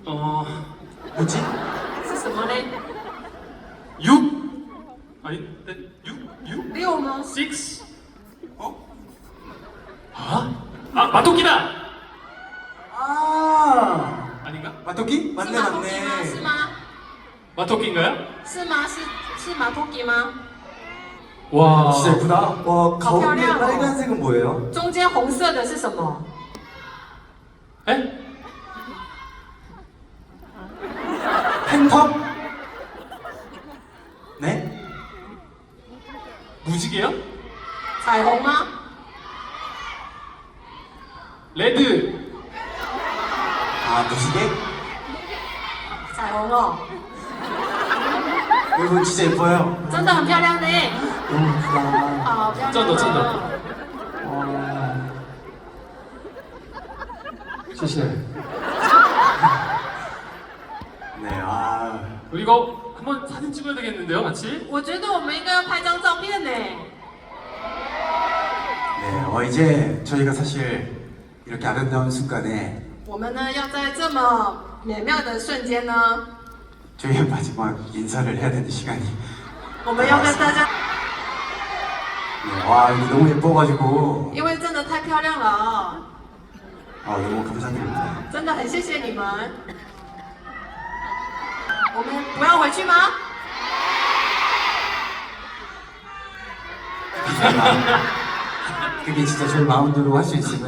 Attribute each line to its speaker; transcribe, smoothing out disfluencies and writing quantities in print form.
Speaker 1: 뭐지?
Speaker 2: 是什么嘞？
Speaker 3: 6 아니 6?
Speaker 2: 六吗？
Speaker 3: 6?
Speaker 1: 어?
Speaker 3: 마토끼다!
Speaker 1: 아,
Speaker 3: 아닌가?
Speaker 1: 마토끼?
Speaker 2: 是
Speaker 1: 맞네
Speaker 2: 马托基吗？是
Speaker 1: 맞네.
Speaker 2: 吗？
Speaker 3: 마토끼인가요?
Speaker 2: 是吗？是马托基吗？
Speaker 3: 와
Speaker 1: 진짜 예쁘다. 와, 가운데
Speaker 2: 漂亮哦。
Speaker 1: 빨간색은 뭐예요?
Speaker 2: 中间红色的是什么？
Speaker 3: 에?
Speaker 1: 팬텀? 네?
Speaker 3: 무지개요?
Speaker 2: 彩虹吗？
Speaker 3: 레드
Speaker 1: 아, 무지개?
Speaker 2: 彩虹哦，
Speaker 1: 여러분 진짜 예뻐요.
Speaker 2: 真的很漂亮呢。
Speaker 1: 너무 예쁘다.
Speaker 2: 好漂亮、
Speaker 3: 真的真的
Speaker 1: 와. 谢谢. 네, 아.
Speaker 3: 우리 이거 한번 사진 찍어야 되겠는데요, 같이?
Speaker 2: 我觉得我们应该要拍张照片呢。
Speaker 1: 네, 이제 저희가 사실 이렇게 아름다운 순간에
Speaker 2: 我们呢要在这么美妙的瞬间呢，
Speaker 1: 저희의 마지막 인사를 해야 되는 시간이.
Speaker 2: 我们要跟大家，
Speaker 1: 네, 와, 이거 너무 예뻐가지고.
Speaker 2: 因为真的太漂亮了啊、
Speaker 1: 아, 너무 감사드립니다.
Speaker 2: 真的很谢谢你们。我们不要回去吗？
Speaker 1: 그게 진짜 저희 마음대로 할 수 있으면